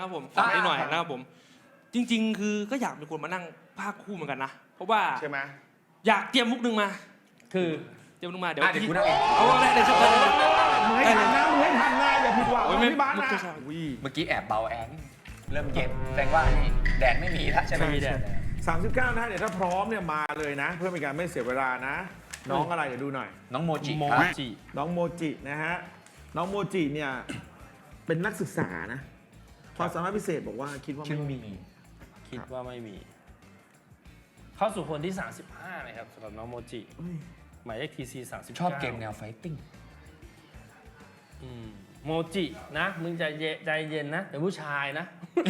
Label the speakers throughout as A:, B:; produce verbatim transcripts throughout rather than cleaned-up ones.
A: นะครับผมขอนิดหน่อยนะครับผมจริงๆคือก็อยากเป็นคนมานั่งภาคคู่เหมือนกันนะเพราะว่า
B: ใช่ไหม
A: อยากเตรียมมุกนึงมา
C: คือ
A: เตรียมมุกมาเดี๋ยว
D: เดี๋ยวกูนั่งเอง
A: เอาได้เลยครับได้เลย
B: มึงให้ทันนะมึงให้ทันนะอย่าผิดหวังพี่บ้านนะ
D: เมื่อกี้แอบเบาแอนเริ่มเย็นแสดงว่านี่แดดไม่มีแล้วใช่ไหม
C: ไม่มีแดด
B: สามสิบเก้านะเดี๋ยวถ้าพร้อมเนี่ยมาเลยนะ เพื่อเป็นการไม่เสียเวลานะ น้องอะไรเดี๋ยวดูหน่อย
D: น้องโมจิ
C: โม
D: ครับ
C: จิ
B: น้องโมจินะฮะน้องโมจิเนี่ยเป็นนักศึกษานะความสามารถพิเศษบอกว่าคิดว่า
D: ชื่อ
B: ไม่
D: มี
B: มี
C: คิดว่าไม่มี เข้าสู่คนที่สามสิบห้านะครับสำหรับน้องโมจิหมายเลข ที ซี สามสิบเก้า
D: ชอบเกมแนวไฟติ้ง
C: อืมโมจินะมึงใจเย็นใจเย็นนะเป็นผู้ชายนะ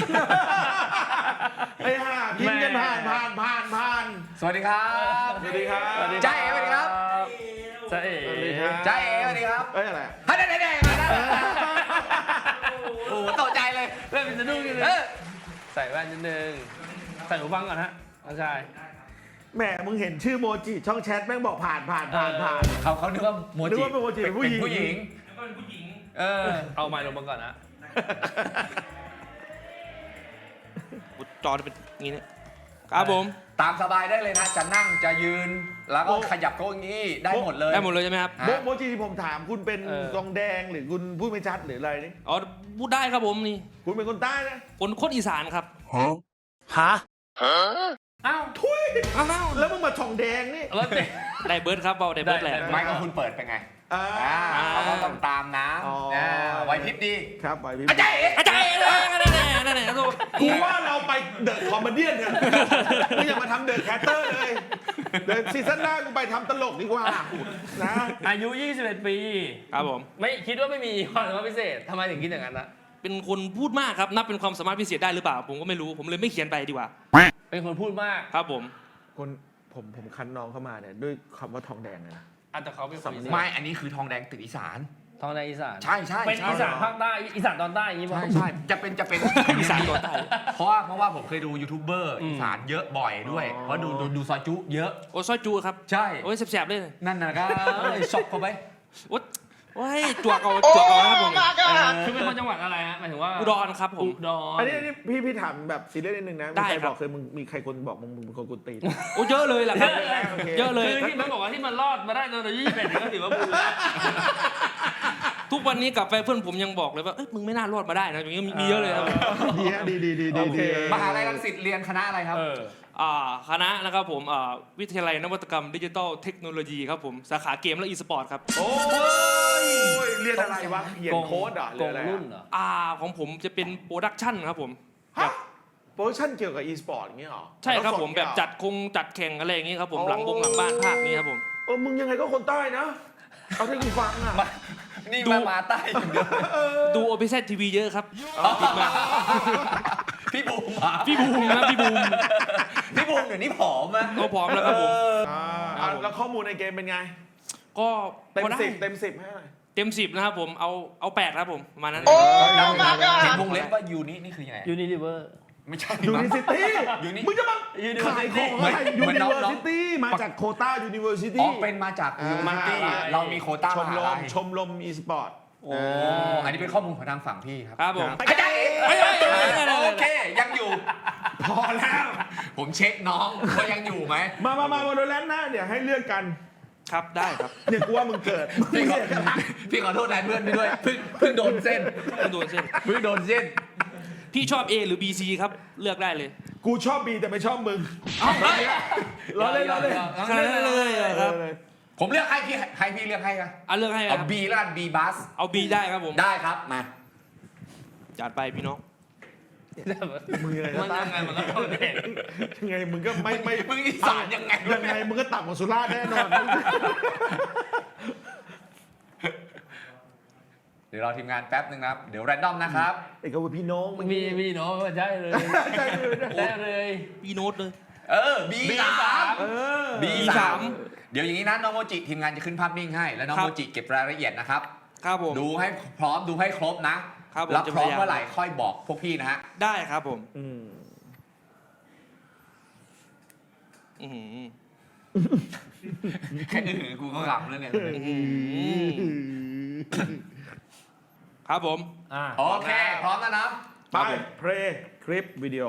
B: ไอ้ห่าพิมพ์กันผ่านผ่านผ่านผ่าน
D: สวัสดีครับ
B: สวัสดีครับ
D: จ้าเอ๋สวัสดีครับ
C: จ้าเอ๋
B: สวัสดีครับ
D: จ้าเอ๋สวัสดีครับ
B: เอ้ยอะไร
D: ฮันเดเดมาแล้วโอ้โหตกใจเลย
C: เริ่มเป็นสะดุ้งกันเล
D: เอย อ
C: ใส่แว่นนิดนึงใส่หูฟังก่อนฮะน้องชาย
B: แหมมึงเห็นชื่อโมจิช่องแชทแม่งบอกผ่านผ่านผ่านผ่าน
D: เขาเขานึกว่าโม
B: นึ
D: จิ
B: กว่าเป็นโมจิเป็นผู้หญิง
D: ผู้หญิง
A: แล้วก็เป็นผู้หญิง
D: เออ
C: เอาไมค์ลงมาก่อนนะ
A: จอจะเป็นอย่างนี้นะครับผม
D: ตามสบายได้เลยนะ จะนั่งจะยืน แล้วก็ขยับเก้าอี้ได้หมดเลย
A: ได้หมดเลยใช่ไหมครับ
D: ฮะ
B: โมโมจิที่ผมถามคุณเป็นกองแดงหรือคุณพูดไม่ชัดหรืออะไรนี่
A: อ๋อพูดได้ครับผมนี่
B: คุณเป็นคนใต้นะ
A: คนโคตรอีสานครับ
C: ฮะอ้าว
B: ทุย
A: อ้าว
B: แล้วมึงมาช่องแดงนี่
C: รถเด็ก
A: ได้เบิร์ดครับเบาได้เบิร์ดแหละ
D: ไม่ก็คุณเปิดเป็นไง
B: อ่า
D: อ่าเขาก็ต้องตามน้
B: อ๋อ
D: ำอ่าไหวพริบดี
B: ครับไปพี่
D: อาจารย์เอ๋
A: อาจารย์นั่นแหละนั่นแหละนั่นแหละ
B: กูว่าเราไปเดอะคอมเมดี้เนี่ยมึงอย่ามาทำเดอะแคสเตอร์เลยเดอะซีซั่นหน้ากูไปทำตลกดีกว่านะ
C: อายุยี่สิบเอ็ดปี
A: ครับผม
C: ไม่คิดว่าไม่มีความสามารถพิเศษทำไมถึงคิดอย่างนั้นล่ะ
A: เป็นคนพูดมากครับนับเป็นความสามารถพิเศษได้หรือเปล่าผมก็ไม่รู้ผมเลยไม่เขียนไปดีกว่า
C: เป็นคนพูดมาก
A: ครับผม
B: คนผมผมคันน้องเข้ามาเนี่ยด้วยคำว่าทองแดงเลยนะ
C: อาจจะเขาเป็นคนอีสาน
D: ไม่ อันนี้คือทองแดงติดอีสาน
C: ทองในอีสาน
D: ใช่ใช่
C: เป็น
D: ใช่
C: อีสานภาคใต้อีสานตอนใต้อย่างนี้ป่ะ
D: ใช่ใช่จะเป็นจะเป็น
A: อีสานตัวใต้
D: เพราะว่าเพราะว่าผมเคยดูยูทูบเบอร์
C: อืม
D: อีสานเยอะบ่อยด้วย
B: อ๋อ
D: เพราะดูดูดูซอยจุเยอะ
A: โอ้ซอยจูครับ
D: ใช่
A: โอ้ยแสบๆเลย
D: นั่นนะก็ช็อกเข้าไป
A: โอ้ยโอ้ยจวกเอาจวกเอาครับผม
C: คือเป็นคนจังหวัดอะไรฮะหมายถึงว่า
A: อุดรครับผม
C: อุดร
B: อันนี้อันนี้พี่พี่ถามแบบซีเรียสนิดนึงนะมี
A: ได้
B: ใคร
A: ครับ
B: บอกเคยมึงมีใครคนบอกมึงมึงเป็นคนกุตีน
A: โอ้เยอะเลยแหละครับ
B: โอเค
A: เยอะเลย
C: คือที่มันบอกว่าที่มันรอดมาได้ตอนอายุยี่สิบเอ็ดก็ถือว่าบุญแล้ว
A: ทุกวันนี้กลับไปเพื่อนผมยังบอกเลยว่าเอ้ยมึงไม่น่ารอดมาได้นะอย่างนี้มีมีเยอะเลยครับ
B: ดีฮะดีดีดีดี
D: โอเค
B: ดี
D: มหาลัยรังสิตเรียนคณะอะไรครับ
C: เออ
A: อ่าคณะนะครับผมอ่าวิทยาลัยนวัตกรรมดิจิทัลเทคโนโลยีครับผมสาขาเกมและอีสปอร์ตครับ
B: โอ้ยเรียนอะไรวะเขียนโค้ดเหรอหรื
C: ก
B: อง อะไร
C: รุ่น
B: อะ
C: เหรอ
A: อ่าของผมจะเป็นโปรดักชั่นครับผม
B: ฮะโปรดักชั่นเกี่ยวกับ e-sport อย่างเงี้ยเหรอ
A: ใช่ครับผม
B: ล้วส
A: แบบ
B: เงี้ยเหอ
A: จัดคงจัดแข่งอะไรอย่างงี้ครับผม
B: อ๋อ
A: หลังบงหลังบ้านภาคนี้ครับผม
B: เออมึงยังไงก็คนใต้นะเอาที่กูฟังอ่ะ
D: นี่มามาใต้อย่างเดียว
A: ดูโอเปเซทีวีเยอะครับติดมา
D: พี่บูมอ่ะ
A: พี่บูมนะพี่บูม
D: พี่บูมเดี๋ยวนี้ผอมอะ
A: ก็พร้อมแล้วครับผม
B: อ่า
A: ครับผม
B: แล้วข้อมูลในเกมเป็นไง
A: ก็
B: เต็ม
A: พอได้
B: สิบเต็มสิบให้หน่อย
A: เต็มสิบนะครับผมเอาเอาแปดครับผมประมาณนั้น
D: เห็นวงเล็บว่ายูนี่นี่คือยังไง
C: ยูนิลิเวอร์
D: ไม่ใช่
B: ยูนิ
D: มั้ง
B: ซิตี้
D: ยูนิ
B: มึงจะมา
C: University
B: ขายของอะไร
D: เห
B: ยู
D: มือน
B: นิ
D: น้อง
B: เวอร์ซิตี้มาจากโคต้ายูนิเวอร์ซิ
D: อ๋
B: ตี้
D: อเป็นมาจากยูนิตี้
B: อ่า
D: เรามีโควต้า
B: ชม
D: มหาร ลั
B: ม
D: ย
B: ชมรม e-sport
D: โอ้อันนี้เป็นข้อมูลของทางฝั่งพี่ครับ
A: ครับผม
D: อาจารย์เอ๋
A: เอ้ยเอ้ยเอ้ยเอ้ยเอ้ย
D: โอเค ยังอยู่
B: พอแล้ว
D: ผมเช็คน้องว่ายังอยู่ไหม
B: มามามาโมโดแลนด์นะเดี๋ยวให้เลือกกัน
A: ครับได้ครับ
B: เนี่ยกูว่ามึงเกิด
D: พี่ขอพี่ขอโทษแทนเพื่อนพี่ด้วยเพิ่งเพิ่งโดนเส้น
A: ต้องโดนเส้น
D: เพิ่งโดนเส้น
A: พี่ชอบ A หรือ B C ครับเลือกได้เลย
B: กูชอบบีแต่ไม่ชอบมึง
A: เอ้า
B: ล้อเล่นล้อเล่น
A: ขนาดนั้นเลยเหรอครับ
D: ผมเลือกให้พี่ให้พี่เลือกให้ครับ
A: เอาเลือกให้ค
D: เอา
A: รับ
D: บีแล้วกัน B บัส
A: เอา B ได้ครับผม
D: ได้ครับมา
A: จัดไปพี่น้อง
B: มึงยังไง
C: มันยังไงมันก็ต้องเด็ก
B: ยังไงมึงก็ไม่ไม่
D: มึงอีสานยังไง
B: ยังไงมึงก็ต่ำกว่าสุราษฎร์แน่นอน
D: เดี๋ยวรอทีมงานแป๊บนึงนะครับ เดี๋ยวแรนดอมนะครับ
B: ไอ้ก็ว่าพี่น้องมึง
C: มีมีเนาะใช่เลย
B: ใช่เลย
C: ได้เลย
A: พี่โน้ตเลย
D: เออ B สาม
B: เออ
D: B สา
A: สาม ม
D: เดี๋ยวอย่างนี้นะน้องโมจิทีมงานจะขึ้นภาพนิ่งให้ แล้วน้อง
A: ครับ
D: โมจิเก็บรายละเอียดนะครับ
A: ครับผม
D: ดูให้พร้อมดูให้ครบนะครับ
A: ผม
D: แล้ว
A: จะ
D: พร้อม
A: พยายาม
D: เมื่อไหร่ค่อยบอกพวกพี่นะฮะ
A: ได้ครับผม
B: อืม
A: อื้อหือ
D: แค่อื่นกูก็หลับแล้วเนี่ย
A: อื้อหือครับผม
C: อ่า
D: โอเค พร้อมแล้วนะ
B: ไปเพลย์คลิปวิดีโอ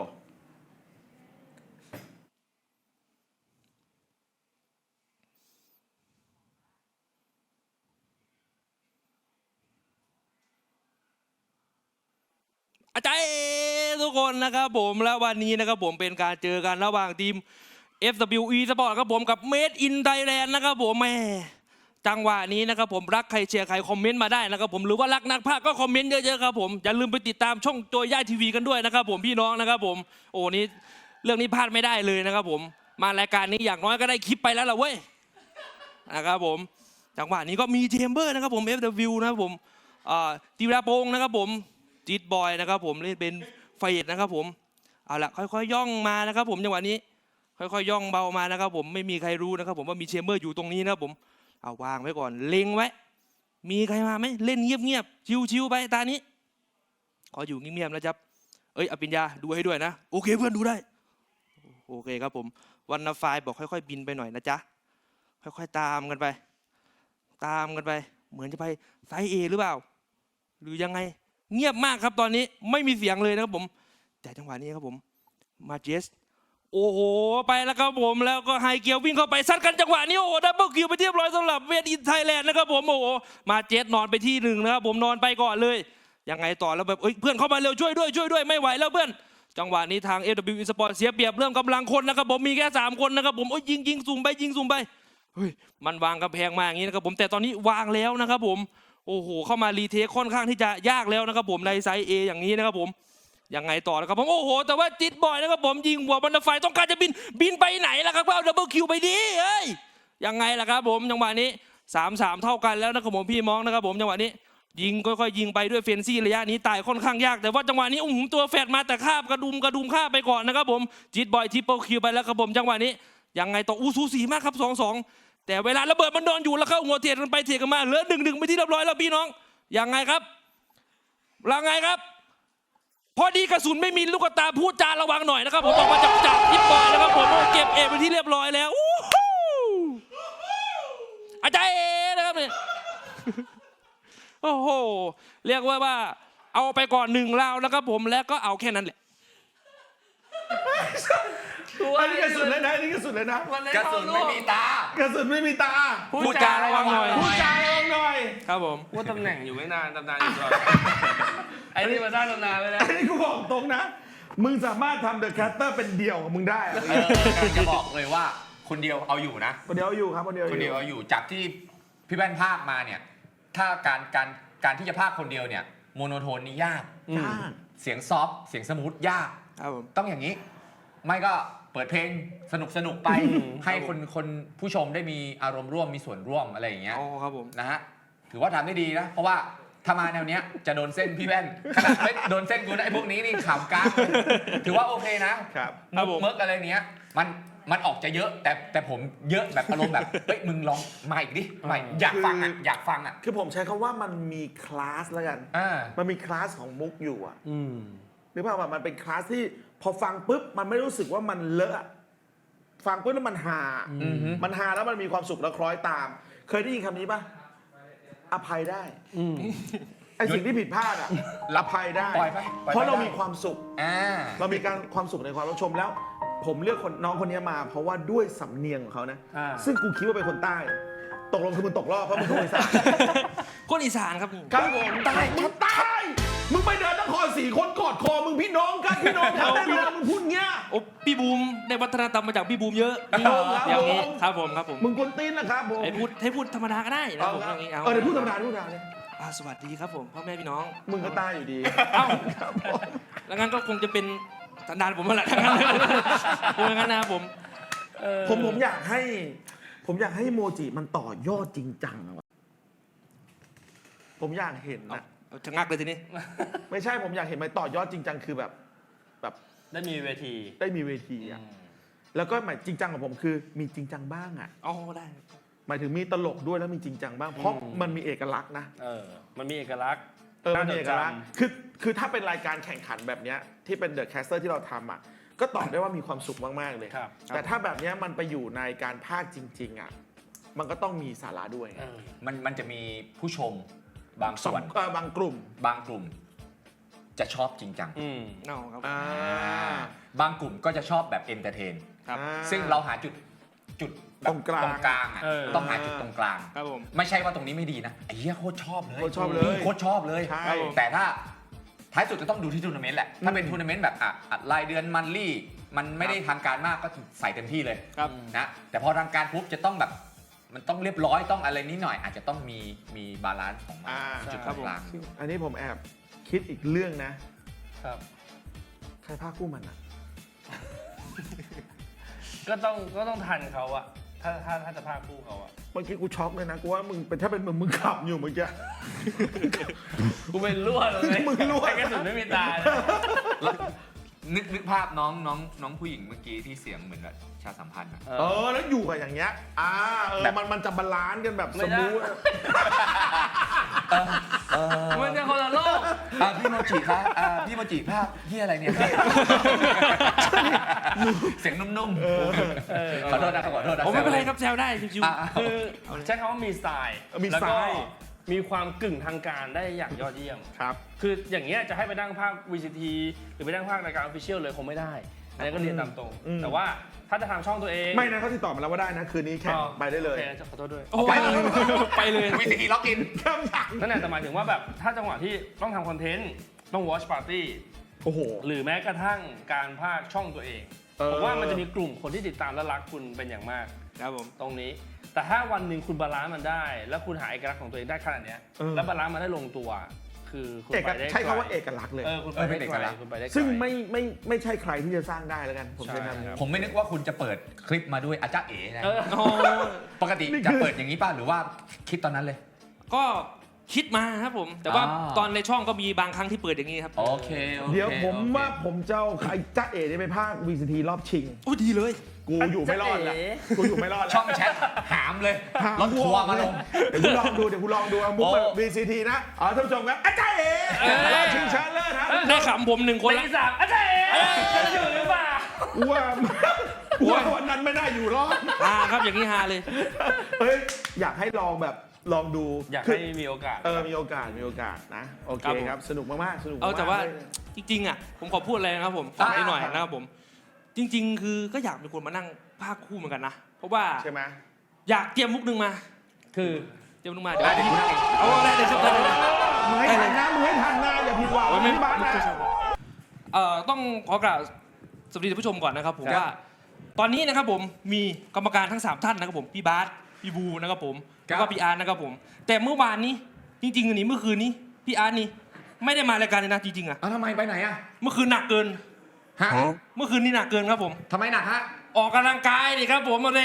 A: อาจารย์ทุกคนนะครับผมแล้ววันนี้นะครับผมเป็นการเจอกันระหว่างทีม เอฟ ดับเบิลยู อี Sport ครับผมกับ Made in Thailand นะครับผมแม่จังหวะนี้นะครับผมรักใครเชียร์ใครคอมเมนต์มาได้นะครับผมหรือว่ารักนักพากย์ก็คอมเมนต์เยอะๆครับผมอย่าลืมไปติดตามช่องตัวย่าทีวีกันด้วยนะครับผมพี่น้องนะครับผมโอ้นี้เรื่องนี้พลาดไม่ได้เลยนะครับผมมารายการนี้อย่างน้อยก็ได้คลิปไปแล้วล่ะเว้ยนะครับผมจังหวะนี้ก็มีเจมเบอร์นะครับผม เอฟ ดับเบิลยู นะครับผมตีวราโปงนะครับผมจิตบอยนะครับผมเล่นเป็นไฟเอ็ดนะครับผมเอาละค่อยๆย่องมานะครับผมจังหวะนี้ค่อยๆย่องเบามานะครับผมไม่มีใครรู้นะครับผมว่ามีเชมเบอร์อยู่ตรงนี้นะครับผมเอาวางไว้ก่อนเล็งไว้มีใครมาไหมเล่นเงียบๆชิวๆไปตานี้ขออยู่เงียบๆนะจ๊บเอ้ยอภิญญาดูให้ด้วยนะโอเคเพื่อนดูได้โอเคครับผมวันนาไฟบอกค่อยๆบินไปหน่อยนะจ๊ะค่อยๆตามกันไป ตามกันไปเหมือนจะไปไซส์เอหรือเปล่าหรือยังไงเงียบมากครับตอนนี้ไม่มีเสียงเลยนะครับผมแต่จังหวะนี้ครับผมมาเจสโอ้โหไปแล้วครับผมแล้วก็ไฮเกียววิ่งเข้าไปซัดกันจังหวะนี้โอ้โหดับเบิลคิวไปเรียบร้อยสำหรับเวทอินไทยแลนด์นะครับผมโอ้โหมาเจสนอนไปที่หนึ่งนะครับผมนอนไปก่อนเลยยังไงต่อแล้วแบบเอ้ยเพื่อนเข้ามาเร็วช่วยด้วยช่วยด้วยไม่ไหวแล้วเพื่อนจังหวะนี้ทาง เอฟ ดับเบิลยู Sport เสียเปรียบเรื่องกำลังคนนะครับผมมีแค่สามคนนะครับผมโอ้ยยิงยิงสุ่มไปยิงสุ่มไปเฮ้ยมันวางกำแพงมาอย่างนี้นะครับผมแต่ตอนนี้วางแล้วนะครับผมโอ้โหเข้ามารีเทคค่อนข้างที่จะยากแล้วนะครับผมในไซส์ A อย่างนี้นะครับผมยังไงต่อนะครับผมโอ้โหแต่ว่าจิตบอยนะครับผมยิงหัวบันไดไฟต้องการจะบินบินไปไหนล่ะครับเอาดับเบิลคิวไปดิเฮ้ยยังไงล่ะครับผมจังหวะนี้ สามสาม เท่ากันแล้วนะครับผมพี่มองนะครับผมจังหวะนี้ยิงค่อยๆยิงไปด้วยเฟนซี่ระยะนี้ตายค่อนข้างยากแต่ว่าจังหวะนี้อุ้มตัวแฟดมาแต่คาบกระดุมกระดุมคาบไปก่อนนะครับผมจิตบอยทิปเปิลคิวไปแล้วครับผมจังหวะนี้ยังไงต่ออู้สูสีมากครับสองสองแต่เวลาระเบิดมันโดนอยู่แล้วเข้าหัวเทียนกันไปเทียนกันมาเหลือหนึ่งหนึ่งไปที่เรียบร้อยแล้วพี่น้องยังไงครับยังไงครับพอดีกระสุนไม่มีลูกตาพูดจาระวังหน่อยนะครับผมออกมาจากจากทิปบอยนะครับผมเก็บเอไปที่เรียบร้อยแล้วอาจารย์เอนะครับเนี่ยโอ้โหเรียกว่าว่าเอาไปก่อนหนึ่งราวนะครับผมแล้วก็เอาแค่นั้นแหละ
B: อันนี้กระสุนเลยนะอันนี้กระสุนเลยนะ
D: กระสุนไม่มีตาก
B: ระสุนไม่มีตา
C: พูดจาระวังหน่อย
B: พูดจาระวังหน่อย
A: ครับผม
C: ว่าตำแหน่งอยู่ไม่นานตำนานอยู่ตลอดไอ้นี่มาสร้างตำนานเลยนะ
B: อันนี้กูบอกตรงนะมึงสามารถทำเดอะแคสเตอร์เป็นเดี่ยวของมึงได้อะ
D: เออจะบอกเลยว่าคนเดียวเอาอยู่นะ
B: คนเดียวอยู่ครับคนเดียว
D: คนเดียวเอาอยู่จากที่พี่แว่นภาคมาเนี่ยถ้าการการการที่จะภาคคนเดียวเนี่ยโมโนโทนนี่ยาก
B: จ้า
D: เสียงซอฟต์เสียงสมูทยาก
A: ครับผม
D: ต้องอย่างนี้ ไม่ก็เปิดเพลงสนุกสนุกไป ให้คนคนผู้ชมได้มีอารมณ์ร่วมมีส่วนร่วมอะไรอย่างเงี้ย
A: อ๋อครับผม
D: นะฮะถือว่าทำได้ดีนะเพราะว่าถ้ามาแนวเนี้ยจะโดนเส้นพี่แว่นขนาดไม่โดนเส้นกูนะไอ้พวกนี้นี่ขำก้างถือว่าโอเคนะครับ
A: ครับผม
D: เมิร์กอะไรเนี้ยมันมันออกจะเยอะแต่แต่ผมเยอะแบบอารมณ์แบบเฮ้ยมึงลองมาอีกดิมาอีกอยากฟังอ่ะอยากฟังอ่ะ
B: คือผมใช้คำว่ามันมีคลาสแล้วกัน
D: อ่า
B: มันมีคลาสของมุกอยู่อะ
C: อืม
B: หรือเปล่ามันเป็นคลาสที่พอฟังปุ๊บมันไม่รู้สึกว่ามันเลอะอะฟังปุ๊บแล้วมันฮา
D: อือฮึ
B: มันฮาแล้วมันมีความสุขแล้วคล้อยตาม เคยได้ยินคำนี้ปะอภัยได้
C: อืม
B: ไอสิ่งที่ผิดพลาดอะอภัยได้
D: ปล่อยไปปล่อยไป
B: เพราะเรา
D: ได้
B: มีความสุข
D: อ่า
B: เรามีการความสุขในความรับชมแล้ว ผมเลือกคนน้องคนนี้มา เพราะว่าด้วยสำเนียงของเขานะ
C: อ่า
B: ซึ่งกูคิดว่าเป็นคนใต้ ตกลงคือมึงตกรอบเพราะมึงคนอีสาน
A: คนอีสานครับ
B: ครับผมใต้มึงใต้มึงไปเดินนครสี่คนกอดคอมึงพี่น้องกันพี่น้องกันแน่นอนมึงพูดเงี้ย
A: โอ้พี่บูมได้วัฒนธรรมมาจากพี่บูมเยอะ
B: ครับผม
A: อย่างนี้ครับผมครับผม
B: มึงกวนตีนนะครับผม
A: ให้พูดให้พูดธรรมดาก็ได้นะ
B: เอา
A: ผม
B: ครับ
A: อย่างนี้
B: เอ
A: เอา
B: อเดี๋ยวพูดธรรมดาพูดธรรมดาเลย
A: อ่าสวัสดีครับผมพ่อแม่พี่น้อง
B: มึงก็ใต้อยู่ดี
A: เอ้า
B: ครับผม
A: แล้วงั้นก็คงจะเป็นสันดานผมมาแหละทั้งนั้นคงอย่างนั้นนะครับผม
B: ผมผมอยากให้ ผมอยากให้โมจิมันต่อยอดจริงจังอะวะผมอยากเห็นนะ
A: เอาชะงักเลยทีนี้
B: ไม่ใช่ผมอยากเห็นมันต่อยอดจริงจังคือแบบแบบ
C: ได้มีเวที
B: ได้มีเวทีอะแล้วก็หมายจริงจังของผมคือมีจริงจังบ้างอะ
A: อ๋อได้
B: หมายถึงมีตลกด้วยแล้วมีจริงจังบ้างเพราะ
C: อืม
B: มันมีเอกลักษณ์นะ
C: เออ มันมีเอกลักษณ์
B: เออมันมีเอกลักษณ์
C: น่าจดจำ
B: คือคือถ้าเป็นรายการแข่งขันแบบเนี้ยที่เป็นเดอะแคสเตอร์ที่เราทำอ่ะก็ตอบได้ว่ามีความสุขมากๆเลย
C: ครับ
B: แต่ถ้าแบบเนี้ยมันไปอยู่ในการพากย์จริงๆอ่ะมันก็ต้องมีสาระด้วย
C: เออ
D: มันมันจะมีผู้ชมบาง
B: ส
D: ส่
B: อ
D: วน
B: งเอ่อบางกลุ่ม
D: บางกลุ่มจะชอบจริงจัง
C: อืม
A: เอาครับ
B: อ่า
D: บางกลุ่มก็จะชอบแบบเอนเตอร์เทน
A: ครับ
B: อ่า
D: ซึ่งเราหาจุดจุดแบบ
B: ตรงกลาง
D: ตรงกลางอะ
C: เออ
D: ต้องหาจุดตรงกลาง
A: ครับผม
D: ไม่ใช่ว่าตรงนี้ไม่ดีนะไอ้เหี้ยโคตรชอบเลย
B: โคตรชอบเลย
D: โคตรชอบเลย
B: ใช่
A: ครับผม
D: แต่ถ้าท้ายสุดจะต้องดูที่ทัวร์นาเมนต์แหละ ถ้าเป็นทัวร์นาเมนต์แบบอ่ะอ่ะรายเดือนมันลี่ มันไม่ได้ทางการมากก็ใส่เต็มที่เลย
A: ครับ
D: นะแต่พอทางการปุ๊บจะต้องแบบมันต้องเรียบร้อยต้องอะไรนิดหน่อย อาจจะต้องมีมีบาลานซ์ของมัน
B: อ่า
D: จุด
A: ครับผม
D: กลาง
B: ซึ่งอันนี้ผมแอบคิดอีกเรื่องนะ
C: ครับ
B: ใครภาคคู่มันอ่ะ
C: ก็ต้องก็ต้องทันเขาอะถ้าถ้าถ้าจะพาคู่เขาอะ
B: เมื่อกี้กูช็อกเลยนะกูว่ามึงเป็นถ้าเป็นมึงมึงขับอยู่เมื่อกี้
C: กูเป็นรั่วเลย
B: มึงรั่ว
C: ไอ้กระสุนไม่มีตาเลย
D: นึกนึกภาพน้องน้องน้องผู้หญิงเมื่อกี้ที่เสียงเหมือนแบบชาสัมพันธ์อะ
B: เออแล้วอยู่กับอย่างเงี้ยอ่าเออ
D: แบบ
B: มันมันจะบาลานซ์กันแบบ
C: ไม่
B: ส
C: ได้
B: มูทอะ
C: มันจะคนละโลก
D: อ่ะพี่โมจิครับอ่ะพี่โมจิภาพพี่อะไรเนี่ย เสียงนุ่มๆขอโทษนะครับขอโทษนะ
A: ผมไม่เป็นไรครับแซวได้ชิว
D: อ่ะ
C: คือใช้คำว่ามีสไตล์
B: มี
C: แล้ว
B: สไต
C: ก็
B: ล์
C: มีความกึ่งทางการได้อย่างยอดเยี่ยม
B: ครับ
C: คืออย่างเงี้ยจะให้ไปนั่งภาค วี ซี ที หรือไปนั่งภาครายการ Official เลยคงไม่ได้ อันนี้ก็เรียนตามตรง
B: อืม
C: แต่ว่าถ้าจะทำช่องตัวเอง
B: ไม่นะเขาติดต่อมาแล้วว่าได้นะ คืนนี้แข่งไปได้เลย
C: โอคขอโทษด้วย
A: ๆโอ้ไปเลยไปเลย
D: วิธีล็อกอิน
B: ข้ามอย่าง
C: นั่นแหละแต่หมายถึงว่าแบบถ้าจังหวะที่ต้องทำคอนเทนต์ต้อง watch party
B: โอ้โห
C: หรือแม้กระทั่งการภาคช่องตัวเอง
B: เออ
C: ผมว่ามันจะมีกลุ่มคนที่ติดตามและรักคุณเป็นอย่างมาก
A: ครับผม
C: ตรงนี้ แต่ถ้าวันหนึ่งคุณบาลานซ์มันได้ แล้วคุณหาเอกลักษณ์ของตัวเองได้ขนาดเนี้ย
B: เออ
C: แล้วบาลานซ์มันได้ลงตัว คือคุณ
B: เอก
C: ไปได้
B: ใช้คำว่า
C: ไกล
B: เอกลักษณ์เลย
C: เออคุณไป
D: เออเป็
C: ได้
D: นเอก
C: ไกล
D: ลักษณ์
C: คุณไปได้ไกล
B: ซึ่งไม่ไม่ไม่ใช่ใครที่จะสร้างได้แล้วกัน ผมใช้
C: ใช่
B: คำนี้
C: ครับ
D: ผมไม่นึกว่าคุณจะเปิดคลิปมาด้วยอาจารย์เอ๋นะ
C: เออ
A: โอ้
D: ปกติจะเปิดอย่างนี้ป่ะหรือว่าคิดตอนนั้นเลย
A: ก็คิดมาครับผม แต่ว่า
D: อ่า
A: ตอนในช่องก็มีบางครั้งที่เปิดอย่างนี้ครับ
D: โอเคโอค
B: เดี๋ยวผม
D: โอเค
B: ว่าผมจะเอาใครจ้าเอ๋ได้ไปภาค วี ซี ที รอบชิง
A: โอ้ดีเลย
B: กูอยู่ไม่รอดแล้ว
C: จ๊ะเอ๋
B: กูอยู่ไม่รอดแล้ว
D: ช่องแชทหามเลย
B: หาร
D: ถทัวร์มาลง
B: เดี๋ยวกูลองดูเดี๋ยวกูลองดูเอามุกแบบ
D: โอ้
B: วี ซี ที นะอ๋อท่านผู้ชมครับอาจารย์เอ๋รอบชิงชนะเลิศครับ
A: ได้ขำผมหนึ่งคน
C: ตี
A: ละ
C: สามอาจารย์เอ๋อยู่หรือเปล่า
B: กูว่ากูว่าวันนั้นไม่ได้อยู่รอด
A: ฮาครับอย่างนี้ฮาเลย
B: เฮ้ยอยากให้ลองแบบลองดู
C: อยาก
B: คื
C: ให้มีโอกาส
B: เออมีโอกาสมีโอกาสนะโอเค
A: ครับผม
B: ครับสนุกมากๆสนุกมาก
A: เอาแต่ว่า
B: เลย
A: จริงๆอ่ะผมขอพูดอะไรนะครับผมฝากนิดหน่อยนะครับผม จริง ๆ คือก็อยากเป็นคนมานั่งภาคคู่เหมือนกันนะ เพราะว่า
B: ใช่ไหม
A: อยากเตรียมมุกหนึ่งมา
C: คือ
A: เตรียมมุกมาเดี๋ยว
D: ได้เดี๋ยวคุณนั่งเอง
A: เอาได้เลยครับได้เลย
B: มึงให้ทันนะมึงให้ทันนะอย่าผิดหวัง
A: โอ้ยไม่
B: ที่บ้าน
A: ไม่
B: นะ
A: เอ่อต้องขอกล่าวสวัสดีท่านผู้ชมก่อนนะครับผมว่า ตอนนี้นะครับผมมีกรรมการทั้งสามท่านนะครับผมพี่บาสพี่บูนะครับผมแล้วก็พี่อาร์ตนะครับผม แต่เมื่อวานนี้จริงๆอันนี้เมื่อคืนนี้พี่อาร์ตนี่ไม่ได้มารายการเลยนะจริงๆอ่ะ
D: เอาทำไมไปไหนอะ
A: เมื่อคืนหนักเกิน
D: ฮะ
A: เมื่อคืนนี้หนักเกินครับผม
D: ทำไมหนักฮะ
A: ออกกำลังกายดิครับผมมาเลย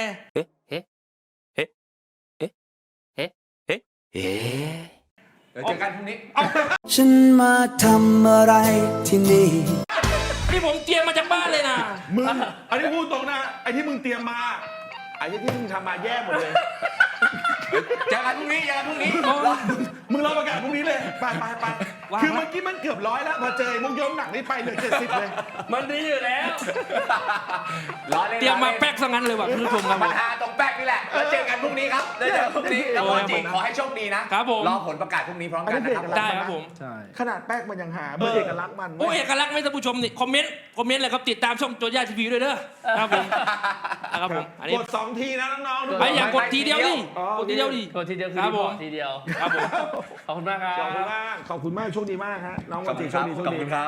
D: เดี๋ยวเจอกันพรุ่งนี้
E: ฉันมาทำอะไรที่นี่
A: นี่ผมเตรียมมาจากบ้านเลยนะ
B: มึงอันนี้พูดตรงนะไอ้ที่มึงเตรียมมาไอ้ที่มึงทำมาแย่หมดเลย
D: เจอกันพรุ่งนี้เจอกันพรุ่งนี้
B: มึงรอประกาศพรุ่งนี้เลยไปไปไปคือเมื่อกี้มันเกือบร้อยแล้วพอเจอไอ้มุกยกหนักนี่ไปเหลือเจ็ดสิบเลย
C: มันดีอยู่แล้ว
D: ล้อเล่น
A: เตรียมมา
D: ล้อล่น
A: แป๊กซะงั้นเลยว่ะคุณผู้ชมครับผ
D: มัน
A: ม
D: หาตรงแป๊กนี่แหละ แล้วเจอกันพรุ่งนี้ครับได้เจอกันพรุ่งนี้ แล้ว
A: โอ้
D: โม
A: ย
D: จิขอให้โชคดีนะครับ
A: ผม
D: รอผลประกาศพรุ่งนี้พร้อมกันนะครับ
B: อันนี้เด็ก
A: ได้ครับผม
C: ใช่
B: ขนาดแป๊กมันยังหาเบอร์เอกลักษณ์มัน
A: โอ้เอกลักษณ์ไหม่ท่านผู้ชมนี่คอมเมนต์คอมเมนต์เลยครับติดตามช่องโจย่าทีวีด้วยเด้อครับผมนะครับผมอันนี้
B: กดสองทีนะน้องๆทุกค
A: ไป
B: น
A: อย่ากดทีเดียวดิ
B: อ๋อก
A: ดทีเดียวดิ
C: กดทีเดียวคือ
A: ครับ
C: รี
A: ผ
C: พอ
A: ม
C: ร์ตทีเดียว
A: ครับผม
C: ขอบคุณมากครั
B: ขอบคุณ
C: บ
B: มากขอบคุณมากโชคดีมากฮะน้อง
D: ข
B: วั
D: อบ
B: น
D: คุ
B: ติ
D: ณ
B: โช
D: ครั
B: ค
D: บ
B: ดีโชค
D: ขอบ
B: ดี
D: คุณครับ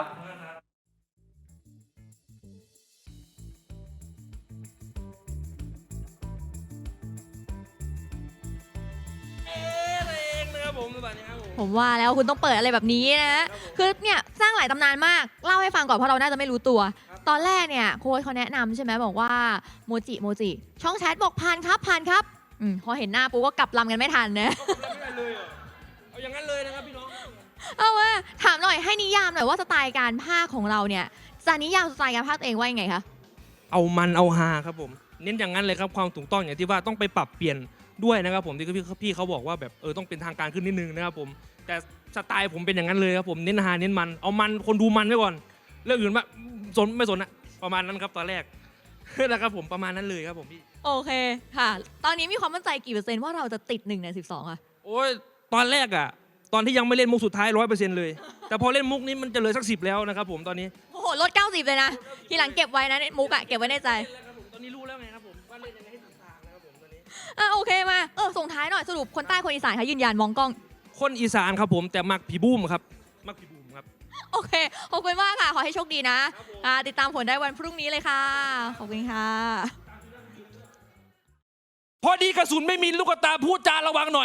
A: เองนะครับผมสวัสดีครับผม
F: ผมว่าแล้วคุณต้องเปิดอะไรแบบนี้นะ คือเนี่ยสร้างหลายตำนานมาก เล่าให้ฟังก่อนเพราะเราน่าจะไม่รู้ตัว ตอนแรกเนี่ยโค้ชเขาแนะนำใช่ไหมบอกว่าโมจิโมจิ ช่องแชทบอกผ่านครับผ่านครับอมพอเห็นหน้าปุ๊บก็กลับลำกันไม่ทันนะ
A: เอาไม่ได้เลยเหรอเอาอย่างนั้นเลยนะครับพี่น้อง
F: เอาว่าถามหน่อยให้นิยามหน่อยว่าสไตล์การพากย์ของเราเนี่ยจะนิยามสไตล์การพากย์ตัวเองว่ายังไงคะ
A: เอามันเอาฮาครับผม เน้นอย่างนั้นเลยครับความถูกต้องอย่างที่ว่าต้องไปปรับเปลี่ยนด้วยนะครับผมที่พี่พี่เขาบอกว่าแบบเออต้องเป็นทางการขึ้นนิดนึงนะครับผมแต่สไตล์ผมเป็นอย่างนั้นเลยครับผมเน้นฮาเน้นมันเอามันคนดูมันไว้ก่อนเรื่องอื่นว่าสนไม่สนอะประมาณนั้นครับตอนแรก นะครับผมประมาณนั้นเลยครับผมพี่
F: โอเคค่ะ ตอนนี้มีความมั่นใจกี่เปอร์เซ็นต์ว่าเราจะติดหนึ่งในสิบสองอะ
A: โอ้ยตอนแรกอะตอนที่ยังไม่เล่นมุกสุดท้ายร้อยเปอร์เซ็นต์เลย แต่พอเล่นมุกนี้มันจะเหลือสักสิบแล้วนะครับผมตอนนี้
F: โอ้โหลดเก้าสิบเลยนะ ทีหลังเก็บไว้นะมุกอะเก็บไว้ในใจ
A: ตอนนี้รู้แล้วไงครับผมว่าเล่นยังไงให้ถูกทางนะครับผมตอนนี้
F: อ่ะโอเคมา เออส่งท้ายหน่อยสรุปคนใต้คนอีสานคะยืนยันมองกล้อง
A: คนอีสานครับผมแต่มักผีบูมครับมักผีบูมครับ
F: โอเค ขอบคุณมากค่ะ ขอให้โชคดีนะอ่าติดตามผลได้วันพรุ่งนี้เลยค่ะ ขอบคุณค่ะ
A: พอดีกระสุนไม่มีลูกตาพูดจาระวังหน่อย